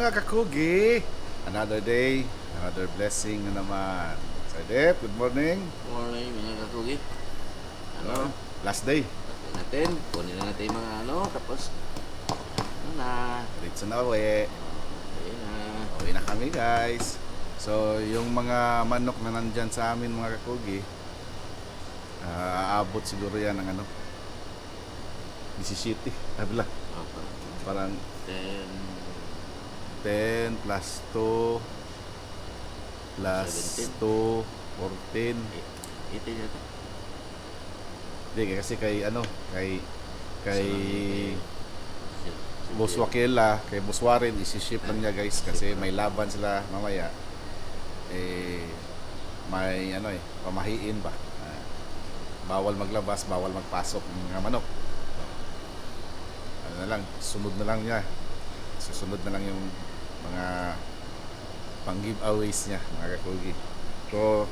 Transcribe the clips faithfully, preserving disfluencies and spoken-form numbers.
mga kakugi, another day, another blessing na naman. Sir Dep, good morning. Morning, mga kakugit. Ano? Last day. Tapos natin. Kunin na natin yung mga ano. Tapos, ano na. Dito na uwi. Ayun na. Uwi na kami guys. So, yung mga manok na nandyan sa amin mga kakugi, uh, aabot siguro yan ng ano, disisiete. Abla. Okay. Parang Then, ten plus two plus seventeen. two, fourteen. ito yun ito. Hindi, kasi kay ano, kay kay Si- si- Boss Wakela, kay Boss Warren, isi-ship lang niya guys kasi may laban sila mamaya. Eh, may ano eh, pamahiin ba? Ah, bawal maglabas, bawal magpasok ng mga manok. Ano na lang, sunod na lang niya. Susunod na lang yung mga pang giveaways niya, mga kakugi. So,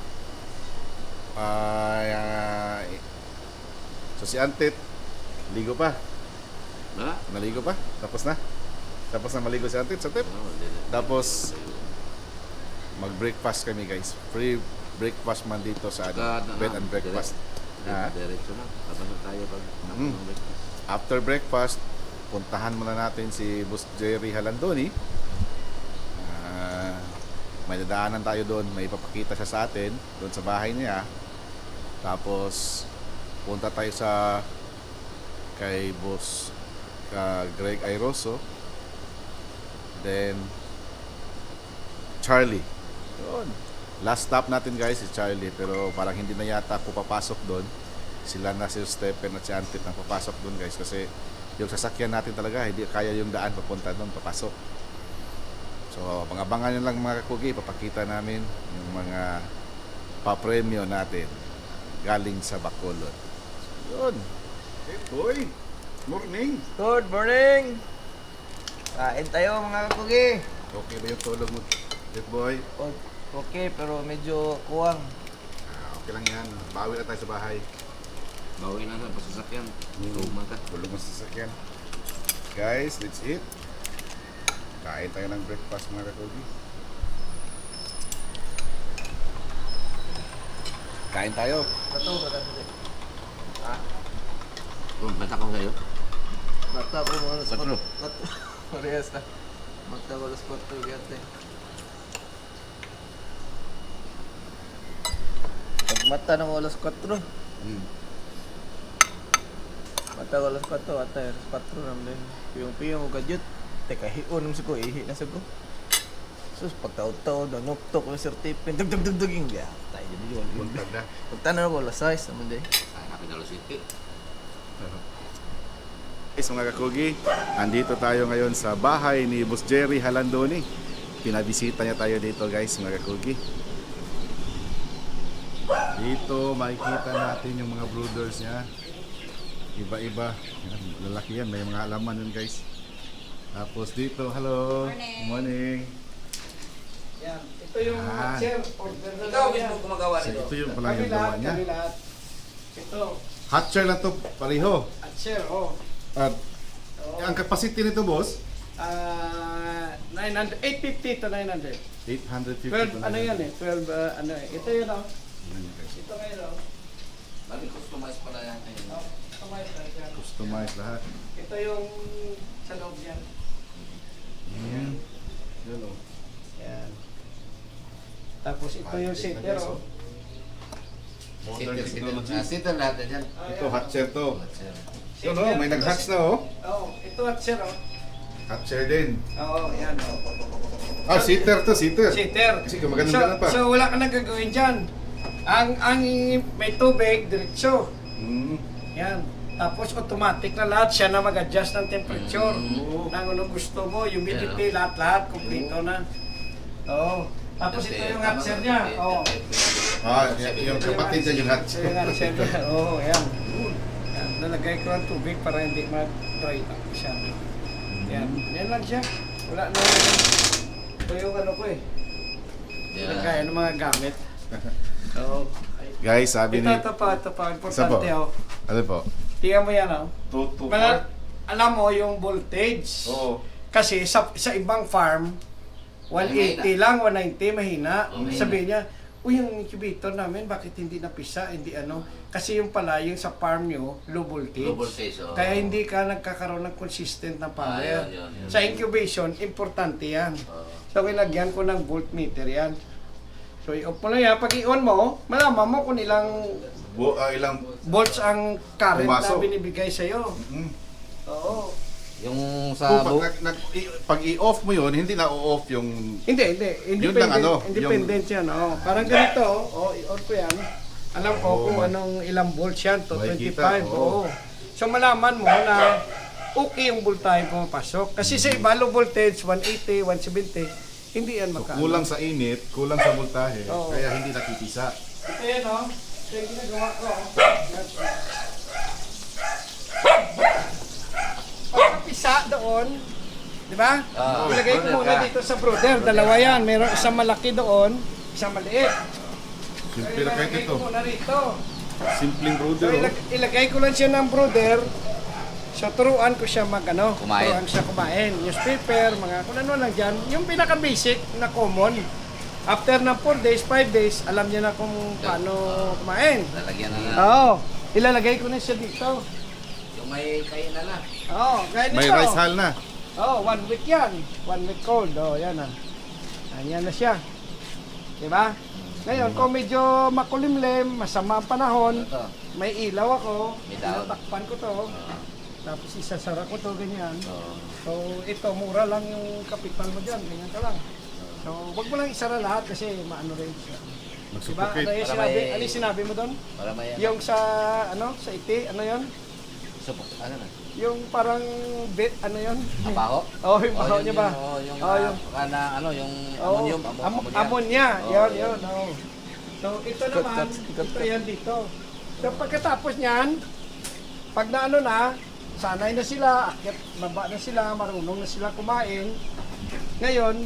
ah, so si Antit, ligo pa. Ha? Naligo pa? Tapos na? Tapos na maligo si Antit sa tip? Ano, hindi na- Tapos, mag-breakfast kami guys. Free breakfast man dito sa ano, Saka, ano, bed and breakfast. Ha? Diretso na. Tapos na tayo pag Mhm. ng breakfast. After breakfast, puntahan muna natin si Boss Jerry Halandoni. Ah, may dadaanan tayo doon. May ipapakita siya sa atin doon sa bahay niya. Tapos, punta tayo sa kay Boss ah, Greg Airoso. Then, Charlie. Yun. Last stop natin guys si Charlie, pero parang hindi na yata ako papasok doon. Sila na si Stephen at si Antit ang papasok doon guys kasi yung sasakyan natin talaga hindi kaya yung daan papunta doon papasok. So pangabangan nyo lang mga kakugi, papakita namin yung mga papremyo natin galing sa Bacolod. So, yun. Hey boy, morning. Good morning! Kain tayo mga kakugi. Okay ba yung tulog mo? Hey boy. O- Okay, pero medyo kuwang. Ah, okay lang yan. Bawi na tayo sa bahay. Bawi na sa pasasakyan. Mm. Tuma ka. Tulog mo sa sasakyan. Guys, let's eat. Kain tayo ng breakfast mga kakugi. Kain tayo. Bato, bata mo Ha? Oh, bata ko sa'yo. Bata ko mo alas Patro. Bato. Parehas na. Bata ko alas kwatro gante. Pag mata ng alas kwatro. Mm. Mata ko alas kwatro, ata alas kwatro naman din. Piyong-piyong o gadyot. Teka, hiyon mo ko, ihi na sa ko. Sus, pagtaon-taon, nanuktok ng certificate. Dug-dug-dug-duging. Yeah, tayo din yun. Buntag na. Pagtanan ko alas sais naman din. Sana pinalo city. Guys, mga kakugi, andito tayo ngayon sa bahay ni Boss Jerry Halandoni. Pinabisita niya tayo dito guys, mga kakugi. Dito makikita natin yung mga brooders niya. Iba-iba. Yan, lalaki yan, may mga halaman yun guys. Tapos dito, hello. Morning. Morning. Yan. Ito yung Ah. chair. Order na Ikaw lang mismo yan. gumagawa So, nito. ito yung pala Kami yung gawa lahat, niya. kami lahat. Ito. Hot chair lang to, pareho. At chair, oh. At Oh. ang capacity nito boss, Ah, nine hundred, eight fifty to nine hundred. eight hundred fifty. twelve, ano yan eh? twelve, ah, ano eh. Ito yun, oh. Yan, guys. Ito ngayon, oh. Bali, customize pala yan. Oh, kumain tayo dyan. Customize lahat. Ito yung sa loob yan. Yan. Yan o. Yan. Tapos ito yung seater, oh. Modern Sitter, sitter. technology. Ah, sitter lahat na dyan. Ah, Ito, yan. hot chair to. Sir. Yun o, may nag-hatch na o. Oh, ito at chair, oh. Hot chair din. Oo, yan, oh. Ah, seater to, seater. Seater. Kasi gumaganda so, na pa. So, wala ka nang gagawin dyan. Ang, ang may tubig, diretso. Mm. Yan. Tapos automatic na lahat, siya na mag-adjust ng temperature. Mm. Nang ano gusto mo, humidity, lahat-lahat, kumplito na. Oo. Tapos ito yung hot chair niya. Oo. Ah, y- yung kapatid niya yung hot Ito yung hot chair niya. Oo, yan. Yan. Nalagay ko ng tubig para hindi mag-dry up siya. Yan. Yan lang siya. Wala na. Ito yung ano ko eh. Nagkaya ng mga gamit. Oo. Guys, sabi Ito, ni... ito pa, ito pa. Isa po. Importante oh. Ano po? Tingnan mo yan oh. two to Mga, alam mo yung voltage. Oo. Kasi sa, sa ibang farm, one eighty lang, one ninety, mahina. Oh, mahina. Sabi niya, uy, yung incubator namin, bakit hindi napisa, hindi ano? Kasi yung pala, yung sa farm nyo, low voltage. Low voltage, oo. Kaya hindi ka nagkakaroon ng consistent na power. Ah, yun, yun, yun. Sa incubation, importante yan. Oo. So, kinagyan ko ng voltmeter yan. So, i-off mo na yan. Pag i-on mo, malaman mo kung ilang Bu- ah, ilang volts ang current Pumasok. na binibigay sa'yo. mm. Oo. Yung Kung sa pag, bu- nag, nag- i- pag i-off mo yun, hindi na o-off yung Hindi, hindi. Yun Independent, lang, ano, independent yan. Oh. Parang ganito, oh, i-on ko yan. Alam ko Oo, kung ma- anong ilang volts yan, to Makikita, twenty-five. oo. Oo. So malaman mo na okay yung voltahe pumapasok. Kasi sa iba, low voltage, one eighty, one seventy, hindi yan so, maka. kulang sa init, kulang sa voltahe, Oo. kaya hindi nakipisa. Ito yan, oh. Ito yung ginagawa ko. oh. Pagkapisa doon, di ba? Ah, Ilagay ko brother muna ka. dito sa brother. Dalawa yan. Meron isang malaki doon, isang maliit. Simple na kahit Ilagay ito. ko muna rito. Simpleng So, brother. ilag ilagay ko lang siya ng brother. So, turuan ko siya mag, ano, Kumain. turuan siya kumain. Newspaper, mga kung ano lang dyan. Yung pinaka-basic na common. After ng four days, five days, alam niya na kung paano kumain. lalagyan na na. Oo. Ilalagay ko na siya dito. Yung may kain na na. Oo, gaya nito. May rice hull na. Oo, one week yan. One week cold. Oo, yan ah. Ayan na siya. Diba? Ngayon, kung medyo makulimlim, masama ang panahon, Ito. may ilaw ako, May daw. tinatakpan ko to, tapos isasara ko to ganyan. Oo. So, ito, mura lang yung kapital mo dyan, ganyan ka lang. So, wag mo lang isara lahat kasi maano rin siya. Diba? Mag-suffocate. Ano yung Para sinabi, may- ano yung sinabi mo doon? Para may ano. Yung sa, ano, sa iti, ano yon? Supok, ano na? Yung parang, bit, ano yon? Abaho? Oh, yung baho yun niya ba? Yung, oh, yung, Oh, yung, ah, na, ano, yung oh, ammonium. Amo, am- ammonia. ammonia. Oh, Yun, yun. yun. Oh. So, ito Cut, naman, cut, cut, ito cut. yan dito. So, pagkatapos niyan, pag na ano na, sanay na sila, akyat, baba na sila, marunong na sila kumain. Ngayon,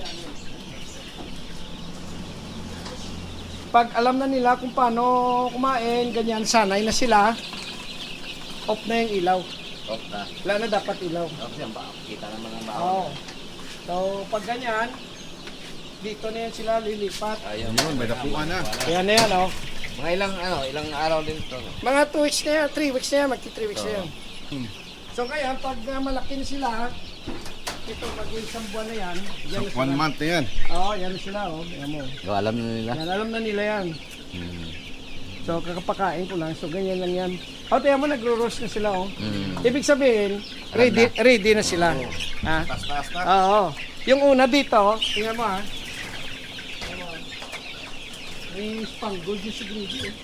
pag alam na nila kung paano kumain, ganyan, sanay na sila, off na yung ilaw. Off na. Wala na dapat ilaw. Off siya, ba? Kita naman ang baho. Oo. So, pag ganyan, dito na yan sila lilipat. Ayun. Yun, may dapuan na. Ayan na yan, oh. Mga ilang, ano, ilang araw din ito. Mga two weeks na yan, three weeks na yan, magti three weeks na yan. Hmm. So, kaya, pag uh, malaki na sila, ito, mag-isang buwan na yan. Yan So, na one sila. month na yan. Oo, yan na sila, oh. Ayan mo. So, alam na nila. Yan, alam na nila yan. Hmm. So, kakapakain ko lang. So, ganyan lang yan. O, tiyan mo, nagro-roast na sila, oh. Hmm. Ibig sabihin, ready, ready na sila. Ha? Taas-taas na. Oo. Yung una dito, tingnan mo ha. Tingnan mo, ah. May spangled yung si Grady. Eh.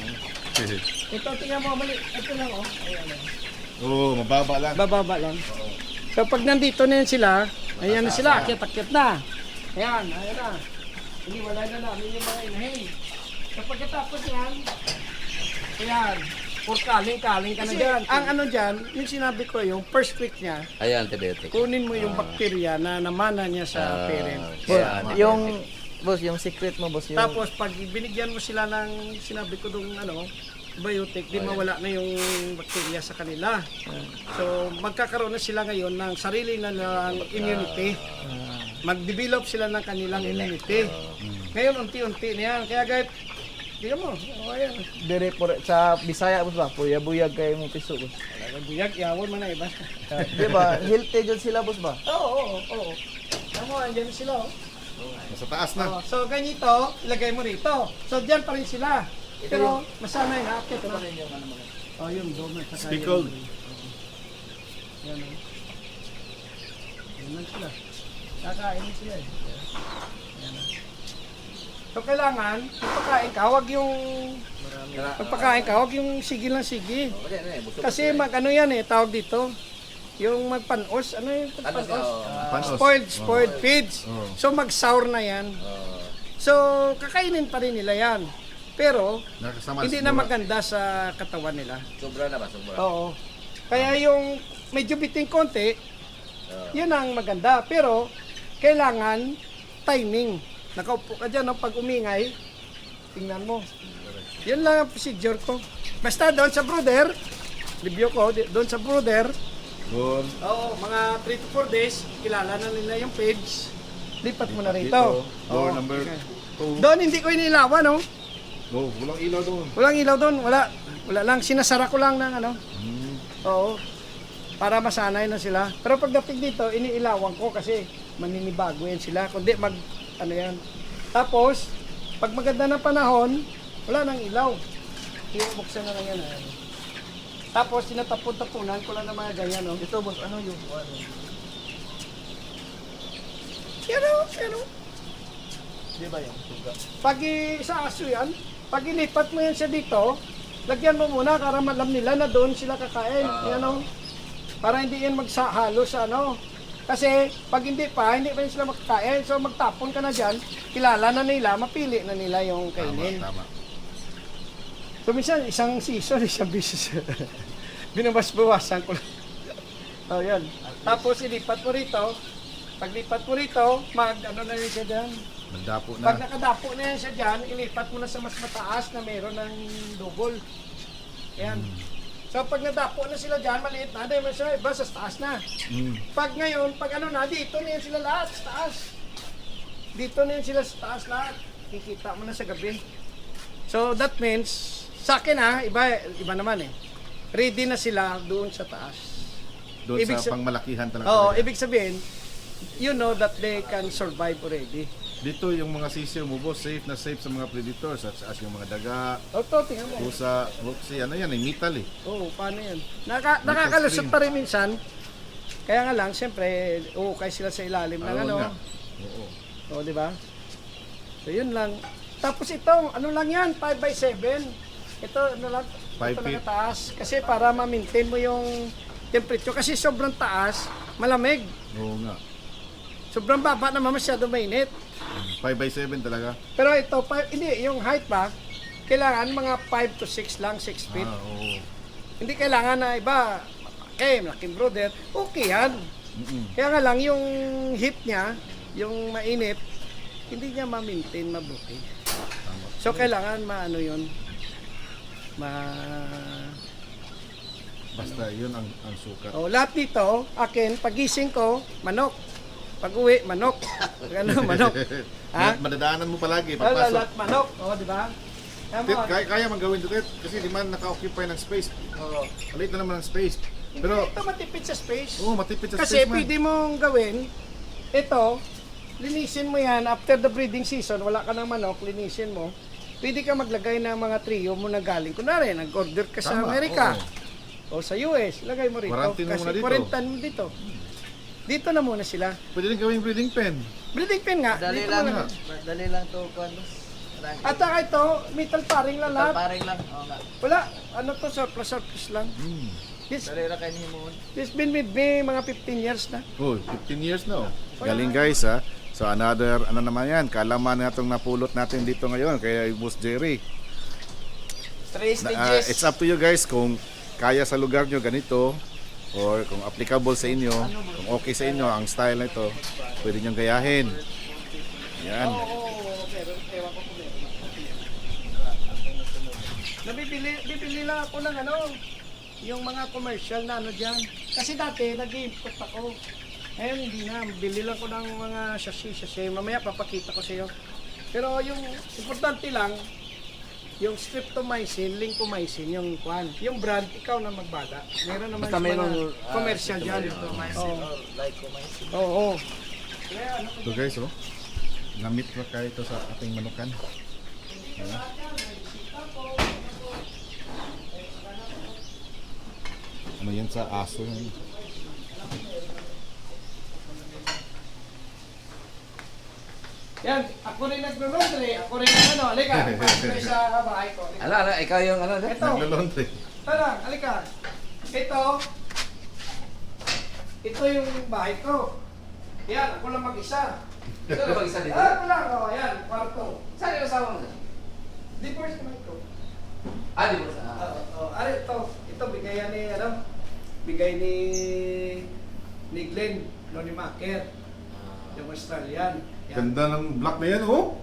Ito, tingnan mo, mali. Ito lang, oh. Ayan, ayan. Oo, mababa lang. Bababa lang. So, pag nandito na yan sila, ayan na sila, akyat-akyat na. Ayan, ayan na. Hindi, wala na namin yung mga inahin. So, pagkatapos yan, ayan, for kaling-kaling ka na dyan. Ang ano dyan, yung sinabi ko, yung first week niya, Ayan, antibiotic. kunin mo yung bakterya na namana niya sa Ah, parent. kaya Boss, yung, boss, yung secret mo, boss, yung... Tapos pag binigyan mo sila ng sinabi ko dong ano, biotic, di mawala na yung bakterya sa kanila. So magkakaroon na sila ngayon ng sarili na ng immunity. Mag-develop sila ng kanilang immunity. Ngayon unti-unti na yan. Kaya kahit tingnan mo, oh, ayan. Dire por sa Bisaya, boss ba? Puya-buyag kayo mo piso, boss. Talagang buyag, yawon man na iba. Di ba? Healthy dyan sila, boss ba? Oo, oo, oo. Tama, andyan sila. Oh. Nasa taas na. Oh, so ganito, ilagay mo rito. So diyan pa rin sila. Pero masanay na akit na. Oh, yung dome at saka Speckled. yung- Yan. oh. Yan lang sila. Kakain sila eh. Yan. oh. So kailangan, pagpakain ka, wag yung pagpakain ka, wag yung sige lang sige. Kasi mag ano yan eh, tawag dito. Yung magpanos, ano yung panos? Panos. Spoiled, spoiled feeds. Oo. So mag-sour na yan. So kakainin pa rin nila yan. Pero Nakasama hindi sa na mura. maganda sa katawan nila. Sobra na ba? Sobra. Oo. Kaya yung medyo biting konti, yun ang maganda. Pero kailangan timing. Nakaupo ka dyan, no? Pag umingay, tingnan mo. Yun lang ang procedure ko. Basta doon sa brother, review ko, di- doon sa brother, Doon. Oo, mga three to four days, kilala na nila yung page. Lipat mo na rito. Dito. Door Oo. number two. Doon hindi ko inilawan, no? Oh, walang ilaw doon. Walang ilaw doon, wala. Wala lang, sinasara ko lang ng ano. Hmm. Oo. Para masanay na sila. Pero pagdating dito, iniilawan ko kasi maninibago yan sila. Kundi mag, ano yan. Tapos, pag maganda ng panahon, wala nang ilaw. Buksan na lang yan. Ayan. Tapos, tinatapon-tapunan ko lang ng mga ganyan, no? Ito boss, ano yung ano? Pero, pero, Di ba yung suga? pag i- sa aso yan, pag ilipat mo yan siya dito, lagyan mo muna para malam nila na doon sila kakain. Yan, no? Para hindi yan magsahalo sa ano. Kasi pag hindi pa, hindi pa yan sila makakain. So magtapon ka na dyan, kilala na nila, mapili na nila yung kainin. Tama, tama. So minsan, isang season, isang business. Binabas-bawasan ko lang. Oh, yan. Tapos ilipat mo rito. Pag lipat mo rito, mag ano na rin siya dyan. Magdapo Pag na. nakadapo na yan siya dyan, ilipat mo na sa mas mataas na meron ng double. Ayan. So pag nadapo na sila dyan, maliit na, dahil siya iba sa taas na. Hmm. Pag ngayon, pag ano na, dito na yan sila lahat sa taas. Dito na yan sila sa taas lahat. Kikita mo na sa gabi. So that means, sa akin ha, iba, iba naman eh. Ready na sila doon sa taas. Doon Ibig sa sa- pangmalakihan talaga. Oo, talaga. ibig sabihin, you know that they can survive already. Dito yung mga sisiyo mo, boss, safe na safe sa mga predators, such as yung mga daga, O to, tingnan mo. pusa, roxy, ano yan, eh, metal eh. Oo, paano yan? Naka, nakakalusot pa rin minsan. Kaya nga lang, siyempre, ukay sila sa ilalim ng Ayaw ano. nga. Oo. O, di ba? So, yun lang. Tapos ito, ano lang yan, five by seven. Ito, ano lang, Five ito lang feet. taas. Kasi para ma-maintain mo yung temperature. Kasi sobrang taas, malamig. Oo nga. Sobrang baba naman masyado mainit. five by seven talaga. Pero ito, five, hindi, yung height ba, kailangan mga five to six lang, six feet. Ah, oo. Hindi kailangan na iba, eh, malaking brother, okay yan. Mm-mm. Kaya nga lang, yung heat niya, yung mainit, hindi niya ma-maintain mabuti. So, kailangan maano yun, ma... Basta yun ang, ang sukat. Oh, lahat dito, akin, pagising ko, manok. Pag-uwi, manok. Pag ano, manok. Ha? Ma- Madadaanan mo palagi, Lahat, pagpasok. lahat manok. O, di ba? Kaya Tit, mo, kaya, kaya man gawin to, Tit, kasi di man naka-occupy ng space. oh, Maliit na naman ang space. Pero, ito matipid sa space. oo, matipid sa Kasi space man. pwede mong gawin, ito, linisin mo yan after the breeding season, wala ka ng manok, linisin mo. Pwede ka maglagay ng mga trio mo na galing. Kunwari, nag-order ka sa Tama, Amerika oo. o sa U S, lagay mo rito. Quarantine mo Kasi muna dito. quarantine mo dito. Dito na muna sila. Pwede rin gawing breeding pen. Breeding pen nga. Dali dito lang, muna. dali lang to kuan boss. Marami. At saka ito, metal paring lang lahat. Paring lang. Oo nga. Wala, ano to, surplus, surplus lang. Hmm. This, Dali lang kayo himuon. this been with me mga fifteen years na. Oh, fifteen years na oh. Galing guys ha. So another, ano naman yan, kalaman na itong napulot natin dito ngayon kaya Boss Jerry. Three Na, ah, it's up to you guys kung kaya sa lugar nyo ganito or kung applicable sa inyo, kung okay sa inyo ang style na ito, pwede nyo gayahin. Yan. Oo, pero ewan ko kung meron. Nabibili, bibili lang ako ng ano, yung mga commercial na ano dyan. Kasi dati, nag-import ako. Ngayon, hindi na. Bili lang ko ng mga sachet-sachet. Mamaya, papakita ko sa iyo. Pero yung importante lang, yung streptomycin, lincomycin, yung kwan. Yung brand, ikaw na magbala. Meron naman Basta sa mayroong, mga ah, commercial dyan. Oo. Like ko may Oo. Oo. So guys oh, gamit pa kayo ito sa ating manukan. Ayan. Ano yan sa aso yan? Yan, ako rin naglo-laundry. Ako rin ang ano, halika. Pasok kayo sa bahay ko. Halika. Ala, ala, ikaw yung ano, Ito. Naglo-laundry. Tara, halika. Ito. Ito yung bahay ko. Yan, ako lang mag-isa. ito na mag-isa dito. Ah, ako lang. Oh, yan, kwarto. Saan yung asawa mo? Divorce naman ko. Ah, di ba sa... Oo, oh, ari, ito. Ito, bigay yan ni, ano, bigay ni, ni Glenn, no, ni Maker. Yung Australian. Yan. Ganda ng black na yan oh.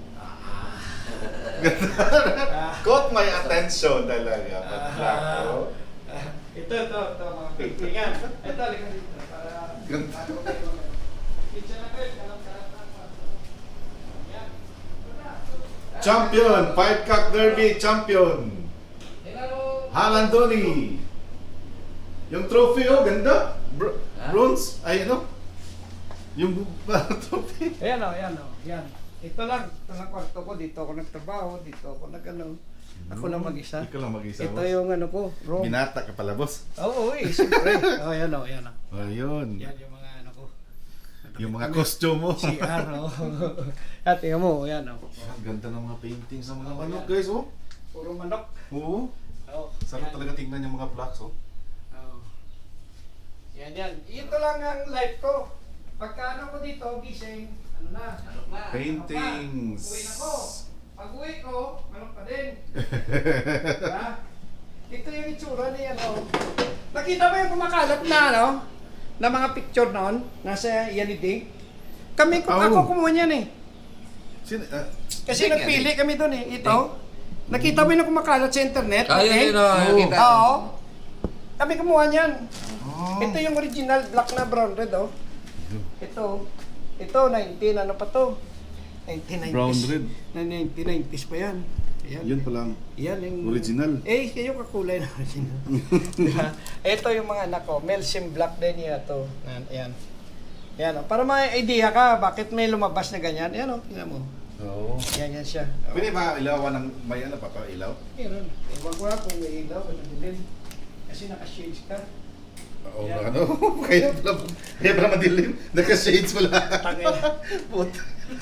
Ah, Caught my attention talaga. Pag black oh. ah, ito, ito, ito, mga Ito Yan. Ito, halika dito. Para... Ganda. Kitchen na kayo. Kalam-kalam na. Yan. Champion, five cock derby champion. Halandoni. Yung trophy oh, ganda. Br- Ha? bronze, ay ano? Yung trophy. Ayan o, ayan o. Yan. Ito lang. Ito lang kwarto ko. Dito ako nagtrabaho. Dito ako nag-ano. Ako lang mag-isa. Ikaw lang mag-isa. Ito boss. yung ano ko. Room. Binata ka pala, boss. Oo, oh, eh. Siyempre. Oh, ayan o, ayan o. Ayun. Yan yung mga ano ko. Yung mga costume mo. C R o. At tingnan mo, ayan o. Ang ganda ng mga paintings ng mga manok, guys, oh. Puro manok. Oo. Oo. Sarap yan. talaga tingnan yung mga blocks, oh. Oo. Yan, yan. Ito lang ang life ko. Pagka ano ko dito, gising, ano na? Ano na? Paintings. Uwi na ko. Pag uwi ko, manok pa din. Diba? Ito yung itsura niya, ano. Nakita mo yung kumakalat na, ano? Na mga picture noon, nasa Yaniding. Kami, Oh. ako kumuha niyan eh. Sin ah, Kasi Ding, nagpili yan, kami doon eh. Ito. Nakita mo yung kumakalat sa internet? Ah, yun, okay? yun, oh, Oo. kita. Oo. Kami kumuha niyan. oh. Ito yung original black na brown red, oh. Ito. Ito, nineteen, ano pa to? nineteen nineties. Brown red. Na nineteen nineties pa yan. Ayan. Yun pala ang Yan yung... original. Eh, kayo kakulay na original. Diba? Ito yung mga anak ko. Melsim Black din yan to. Ayan. Ayan. Ayan, oh. Para may idea ka, bakit may lumabas na ganyan. Ayan, oh. Tingnan mo. Oo. Yan, yan siya. Oh. Pwede ba ilawan ng may ano pa pa ilaw? Meron. Ewan ko nga kung may ilaw, ano din. Kasi naka-shades ka. Oo, Yan. ano? Kaya pala, kaya pala madilim. Naka-shades pala. Tangin. Put.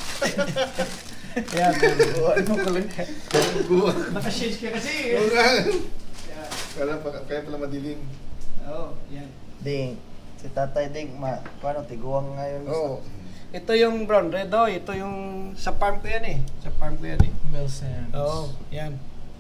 Ayan. Ano ko lang. Buwa. Naka-shades ka kasi. Oo nga. Yan. Kaya, pa- kaya pala madilim. Oo, yan. Ding, si Tatay Ding, ma, paano, tiguang ngayon. Oo. Ito yung brown red, oh. Ito yung sa farm ko yan eh. Sa farm ko yan eh. Melsim. Oo, yan.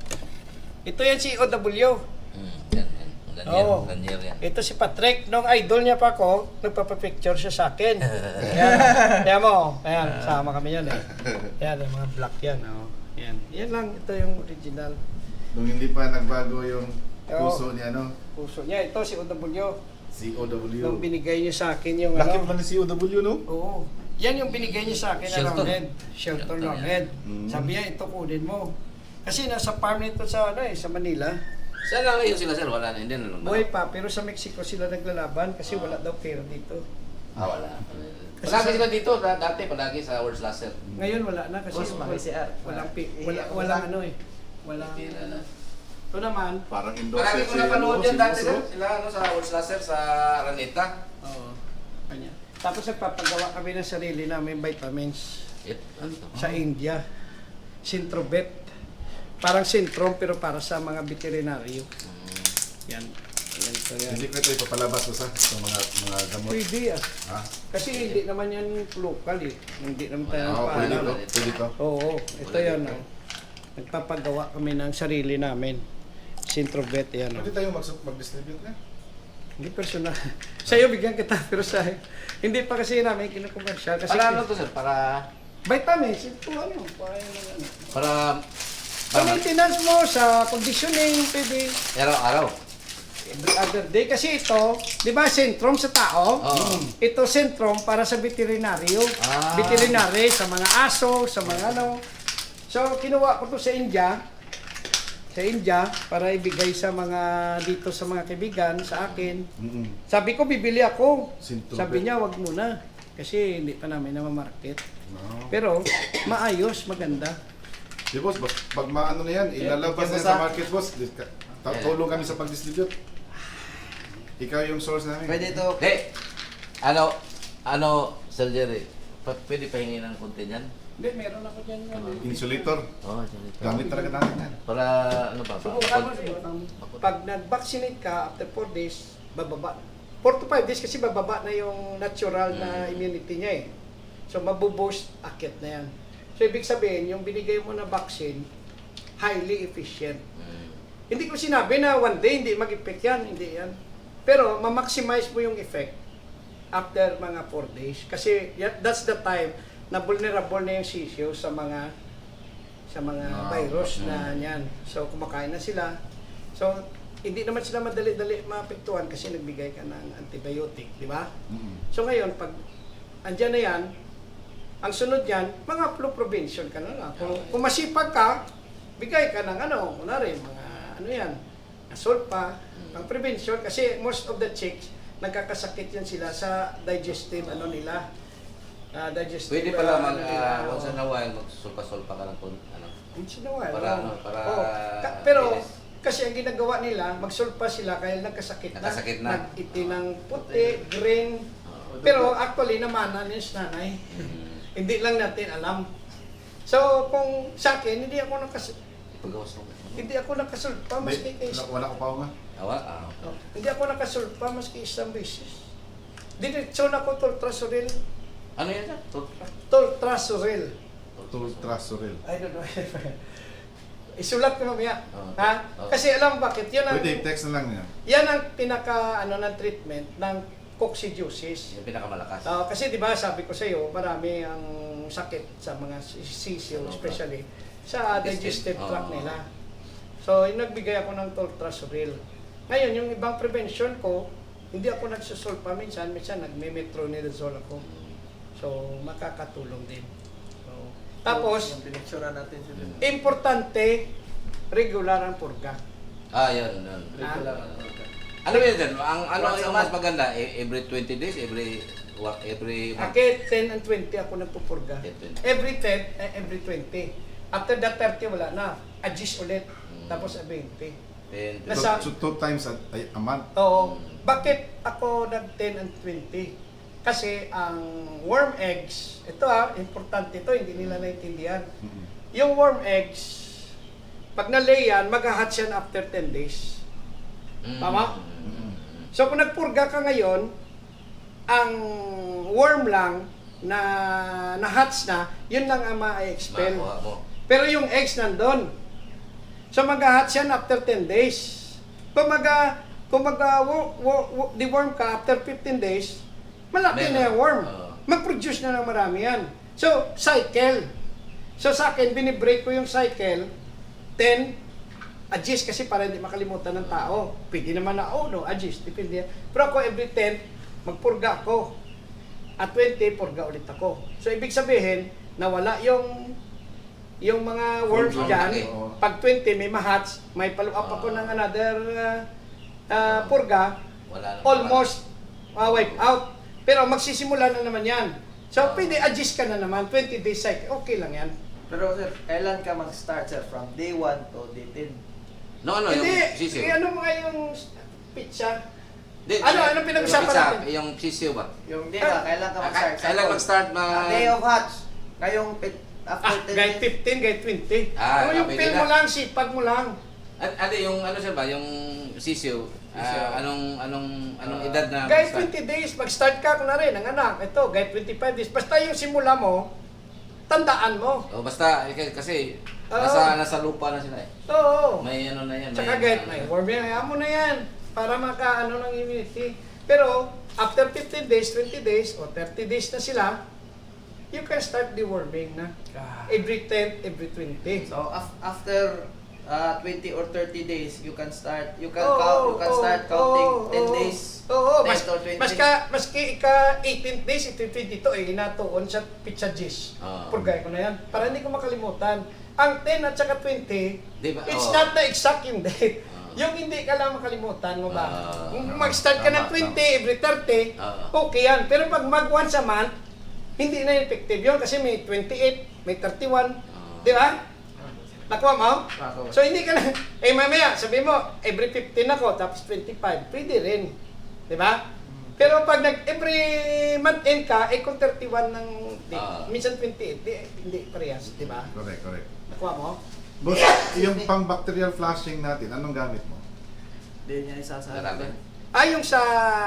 Ito yan si O W. Hmm, yan, yan. Lanier, Oo. lanier yan. Ito si Patrick. Nung idol niya pa ako, nagpapapicture siya sa akin. Yan. Yan mo. Ayan, sama kami yan eh. Yan, yung mga black yan. Oh. Yan. Yan lang. Ito yung original. Nung hindi pa nagbago yung Oo. puso niya, ano? Puso niya. Ito si O W. C O W. Nung binigay niya sa akin yung Laki ano. pala ni C O W, no? Oo. Yan yung binigay niya sa akin na Shelton. roundhead. Shelton Shelton roundhead. yan. Mm. Sabi niya, ito kunin mo. Kasi nasa farm nito sa ano eh, sa Manila. Saan na ngayon sila, sir? Wala na, hindi na lang. Buhay pa, pero sa Mexico sila naglalaban kasi wala daw pera dito. Ah, wala. Kasi Palagi sa- sila dito, da- dati palagi sa World Slasher. Ngayon wala na kasi Boss, wala, may C R. walang, pi, Eh, wala, eh, walang wala. ano eh. Walang... Tira na. Ito naman, Parang endorser Palagi ko napanood ano, yan si dati, Boss, sir. oh. Sila ano, sa World Slasher, sa Araneta. oo, kanya. Tapos nagpapagawa kami ng sarili namin vitamins It, ano to? sa India. Sintrobet. Parang sintrom pero para sa mga veterinaryo. Hmm. Yan. Yan to yan. Hindi ko ito ipapalabas ko sa sa mga mga gamot. Pwede ah. Ha? Kasi hindi naman yan local eh. Hindi naman tayo Oo, pwede nagpaalam. to. Pwede to. Oo, ito Pwede yan ito. oh. Nagpapagawa kami ng sarili namin. Sintrobet yan oh. Pwede tayo mag- mag-distribute na. Hindi personal. Sa'yo bigyan kita pero sa hindi pa kasi namin kinukomersyal kasi Para ano to, sir? Para... vitamins ito ano, para yung ano. Para... Sa Para... maintenance mo, sa conditioning, pwede Araw-araw. every other day. Kasi ito, di ba, sentrum sa tao? Oo. Ito sentrum para sa veterinaryo. Ah. Veterinary, sa mga aso, sa mga ano. So, kinuha ko to sa India. Sa India, para ibigay sa mga, dito sa mga kaibigan, sa akin. Mm-mm. Sabi ko, bibili ako. Sintrobet. Sabi niya, wag muna. Kasi hindi pa namin namamarket. No. Pero, maayos, maganda. Di boss, bas- pag maano na yan, ilalabas na Yan, yan boss, sa ah. market boss. Dis- ka- ta- Tulong kami sa pag-distribute. Ikaw yung source namin. Pwede ito. Hindi. Ano, ano, Sir Jerry, pa, pwede pahingi ng konti niyan? Hindi, meron ako dyan. ano. Insulator. Oo, oh, Jerry. Gamit talaga natin yan. Para, ano ba? Subukan mo. Makot- Pag nag-vaccinate ka, after four days, bababa. four to five days kasi bababa na yung natural na immunity niya eh. So, mabuboost, akit na yan. So, ibig sabihin, yung binigay mo na vaccine, highly efficient. Hmm. Hindi ko sinabi na one day hindi mag-effect yan, hindi yan. Pero, ma-maximize mo yung effect after mga four days. Kasi ya- that's the time na vulnerable na yung sisyo sa mga sa mga Ah, virus na yan. So, kumakain na sila. So, hindi naman sila madali-dali maapektuhan kasi nagbigay ka ng antibiotic, di ba? Mm. So ngayon, pag andyan na yan, ang sunod yan, mga flu prevention ka na lang. Kung, kung masipag ka, bigay ka ng ano, kunwari, mga ano yan, sulpa, pang prevention, kasi most of the chicks, nagkakasakit yan sila sa digestive, ano nila, ah, digestive. Pwede pala ah, mag, ano nila, uh, oo. once in a while, magsulpa-sulpa ka lang kung ano. Once in a while, Para oo. ano, para Oo. Ka- pero, linis. kasi ang ginagawa nila, magsulpa sila kaya nagkasakit na. Nagkasakit na. Nag-iti ng puti, green. Pero actually naman, ano yung nanay, hindi lang natin alam. So, kung sa akin, hindi ako nakas Pagawas mo. hindi ako nakasulpa maski Hindi, isa. wala, wala ko pa nga. Awa? Ah. Oh, hindi ako nakasulpa maski isang beses. Diretso na ko toltrasuril. Ano yan? sir? Tulpa? Toltrasuril. Tultrasuril. I don't know. Isulat ko mamaya. Oh, Ha? oh. Kasi alam mo bakit? Yan ang, Pwede, text na lang niya. yan ang pinaka ano ng treatment ng coccidiosis. Yung pinakamalakas. Ah, kasi 'di ba sabi ko sa iyo, marami ang sakit sa mga sisyo, Ano ba? especially sa Digestive. digestive tract Oo. nila. So, yung nagbigay ako ng toltrasuril. Ngayon, yung ibang prevention ko, hindi ako nagsusulpa minsan, minsan nagme-metronidazole ako. So, makakatulong din. So, tapos, yung pinicturean natin sila. importante, regular ang purga. Ah, yan. yan. Regular Ah. ang organ. Ano yun dyan? Ang ano Once a yung mas month. maganda? E- Every twenty days? Every what? Every month? Akit ten and twenty ako nagpupurga. ten, twenty. Every ten, eh, every twenty. After that thirty, wala na. Adjust ulit. Hmm. Tapos twenty. ten, So, Nasa- so two times a, a, a month. Oo. Bakit ako nag ten and twenty? Kasi ang worm eggs, ito ah, importante ito, hindi nila naintindihan. Mm. Yung worm eggs, pag na-lay yan, mag-hatch yan after ten days. Mm. Tama? Mm. So kung nagpurga ka ngayon, ang worm lang na na-hatch na, yun lang ang ma-expel. Makuha mo. Pero yung eggs nandun. So mag-hatch yan after ten days. Kung mag kung mag wo- wo- wo- deworm ka after fifteen days, malaki Meron. na yung worm. Oo. Mag-produce na ng marami yan. So, cycle. So sa akin, binibreak ko yung cycle, ten, adjust kasi para hindi makalimutan ng tao. Pwede naman na, oh no, adjust, depende. Pero ako every ten, magpurga ako. At twenty, purga ulit ako. So ibig sabihin, nawala yung yung mga worms Worms, dyan. okay. Pag twenty, may mahats, may follow up ako Ah. ng another uh, uh, purga, Wala na. almost uh, wipe out. Pero magsisimula na naman yan. So Ah. pwede adjust ka na naman, twenty days cycle, okay lang yan. Pero sir, kailan ka mag-start sir? From day one to day ten? No, ano Hindi, yung sisiw? eh, ano mo nga yung pizza? Di- Ano, di- ano pinag-usapan yung pizza, natin? Yung sisiw ba? Yung day ba, kailan ka Ah, mag-start? Kailan mag-start ma... A day of hatch. Ngayong pit- after Ah, ten guide days. fifteen, guide twenty. Ah, Ano yung pwede feel na. mo lang, sipag mo lang. Ano ano yung ano sir ba? Yung sisiw? ah, Sisiw. anong anong anong Ah, edad na Guide mag-start? twenty days, mag-start ka na rin, ang anak. Ito, guide twenty-five days. Basta yung simula mo, tandaan mo. O basta eh, k- kasi Oo. nasa nasa lupa na sila eh. Oo. May ano na yan. Tsaka may, guide, may warm yan. Hayaan mo na yan. Para maka-ano ng immunity. Pero, after fifteen days, twenty days, o thirty days na sila, you can start deworming na. Every ten, every twenty. So af- after uh, twenty or thirty days, you can start you can Oo, count you can oo, start counting oo, ten oo. days. Oo, ten mas, to twenty. mas ka, maski ika eighteenth days, ito dito eh, inatuon sa pizza dish. Oo. Purgay ko na yan. Para hindi ko makalimutan. Ang ten at saka twenty, Di ba? it's Oo. not the exact yung date. Oo. Yung hindi ka lang makalimutan mo ba? Oo. Kung mag-start ka ng Tama, twenty, every thirty, Oo. okay yan. Pero pag mag once a month, hindi na effective yun kasi may twenty-eight, may thirty-one. Oo. Di ba? Nakuha mo? Nakuha. So hindi ka na, eh mamaya, sabi mo, every fifteen ako, tapos twenty-five, pwede rin. Di ba? Pero pag nag every month end ka, eh kung thirty-one ng, di, Ah. minsan twenty-eight, di, hindi parehas, di ba? Correct, correct. Nakuha mo? Boss, yung pang bacterial flushing natin, anong gamit mo? Hindi niya isasabi. Marami. Ah, yung sa,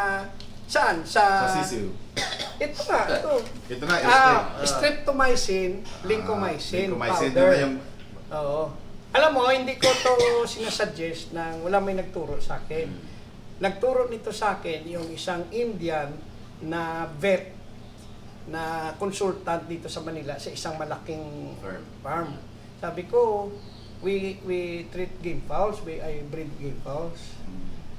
saan? Sa, Sa sisiw. Ito nga, ito. Ito na, Ah, straight. streptomycin, lincomycin, Lincomycin, powder. yun na yung... Oo. Alam mo, hindi ko to sinasuggest na wala may nagturo sa akin. Nagturo nito sa akin yung isang Indian na vet na consultant dito sa Manila sa isang malaking Farm. farm. Sabi ko, we we treat game fowls, we I breed game fowls.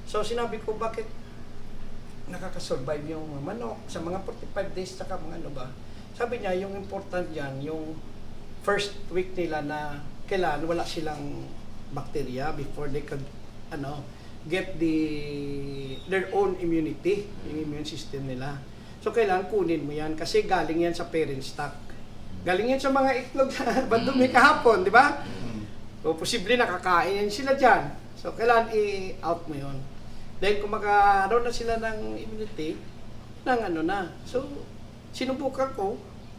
So sinabi ko, bakit nakakasurvive yung mga manok sa mga forty-five days saka mga ano ba? Sabi niya, yung important yan, yung first week nila na kailangan wala silang bacteria before they could ano get the their own immunity, yung immune system nila. So kailangan kunin mo yan kasi galing yan sa parent stock. Galing yan sa mga itlog na bandumi kahapon, di ba? O posible nakakain yan sila dyan. So kailangan i-out mo yun. Dahil kung magkaroon na sila ng immunity, ng ano na. So, sinubukan ko,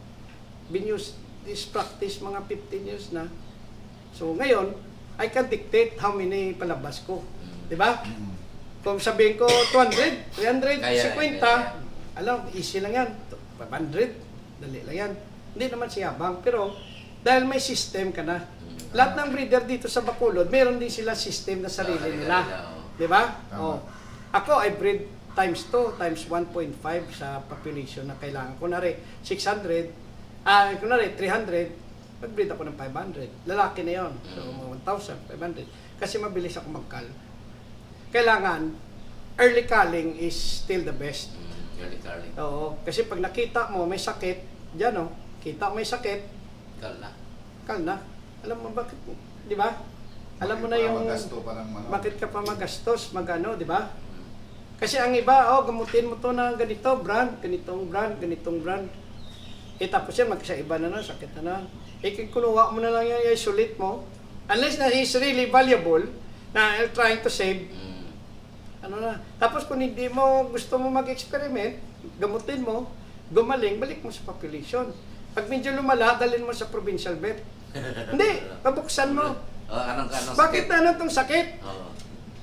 binuse this practice mga fifteen years na. So, ngayon, I can dictate how many palabas ko. Di ba? Kung sabihin ko two hundred, three hundred, Kaya, fifty, kaya. alam, easy lang yan. five hundred, dali lang yan. Hindi naman siyabang. Pero, dahil may system ka na, lahat ng breeder dito sa Bacolod, meron din sila system na sarili nila. Di ba? Tama. Oh. Ako, I breed times two, times one point five sa population na kailangan. Kunwari, six hundred, ah, kunwari, three hundred, mag-breed ako ng five hundred. Lalaki na yon. So, one thousand five hundred. Kasi mabilis ako mag-cull. Kailangan, early culling is still the best. Early Carly. Oo. Kasi pag nakita mo may sakit, dyan oh, kita mo may sakit, Kal na. cull na. Alam mo bakit, di ba? Alam mo na Bakit pa yung... magasto pa ng manok? Bakit ka pa magastos, magano, di ba? Kasi ang iba, oh, gamutin mo to ng ganito, brand, ganitong brand, ganitong brand. Eh tapos yan, magkaiba na na, sakit na na. Eh kung kunuha mo na lang yan, isolate mo, unless na is really valuable, na you're trying to save, Mm. ano na. Tapos kung hindi mo, gusto mo mag-experiment, gamutin mo, gumaling, balik mo sa population. Pag medyo lumala, dalhin mo sa provincial vet. Hindi, pabuksan mo. Oh, anong anong Bakit na ano tong sakit? Oh.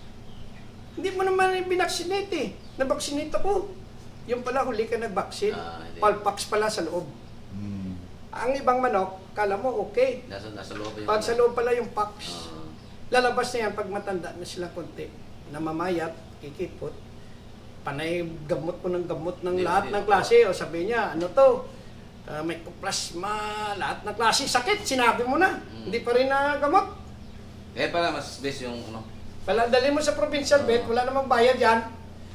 Hindi mo naman binaksinate eh. Nabaksinate ako. Yung pala huli ka nag-vaccine. Ah, hindi. Palpax pala sa loob. Hmm. Ang ibang manok, kala mo okay. Nasa nasa loob yung Pag sa loob pala yung pax. Oh. Lalabas na yan pag matanda na sila konti. Namamayat, kikipot. Panay gamot mo ng gamot ng Hindi, lahat hindi. ng klase. O sabi niya, ano to? Uh, mycoplasma, lahat ng klase. Sakit, sinabi mo na. Mm. Hindi pa rin na gamot. Kaya pala mas best yung ano. Pala dali mo sa provincial vet, wala namang bayad yan.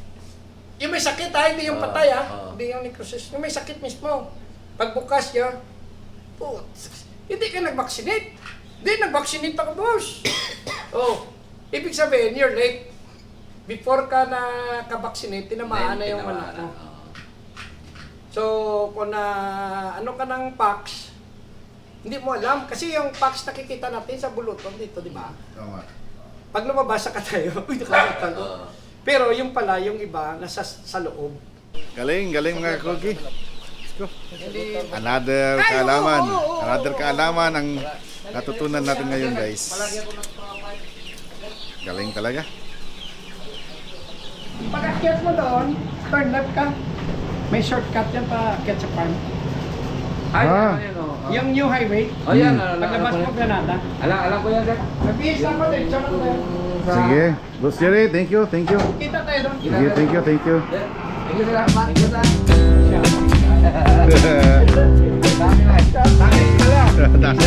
Yung may sakit ha, hindi yung Oo, patay ha. oo. Hindi yung necrosis. Yung may sakit mismo. Pagbukas niya, putz, hindi ka nag-vaccinate. Hindi, nag-vaccinate ako, boss. Oh, ibig sabihin, you're late. Before ka na-vaccinate, tinamaan na yung Tinamaan anak na, mo. oh. So, kung na, ano ka ng pax, hindi mo alam. Kasi yung pax nakikita natin sa buluton dito, di ba? Tama. Pag lumabas ka tayo, uy, nakalimutan ko. Oo. Pero yung pala, yung iba, nasa sa loob. Galing, galing mga kogi. Let's go. Hindi, Another Ay, kaalaman. oo, oo, oo, Another oo. kaalaman ang natutunan natin ngayon, guys. Palagi ako ng mga pipe. Galing talaga. Pag akyat mo doon, turn left ka. May shortcut yan pa akyat sa farm. Ay, Ah. ano yun, oh. Yung new highway, Oh, yan. alam- paglabas alam mo ko yan. Granada. Alam, alam ko yan, sir. Nag-iis na ako din, tsaka na tayo. Sa- Sige. Boss Jerry, thank you, thank you. Kita tayo doon. Sige, thank you, thank you. Thank you, sir. Thank you, sir. Siya. Dami na. Dami pala. Dami.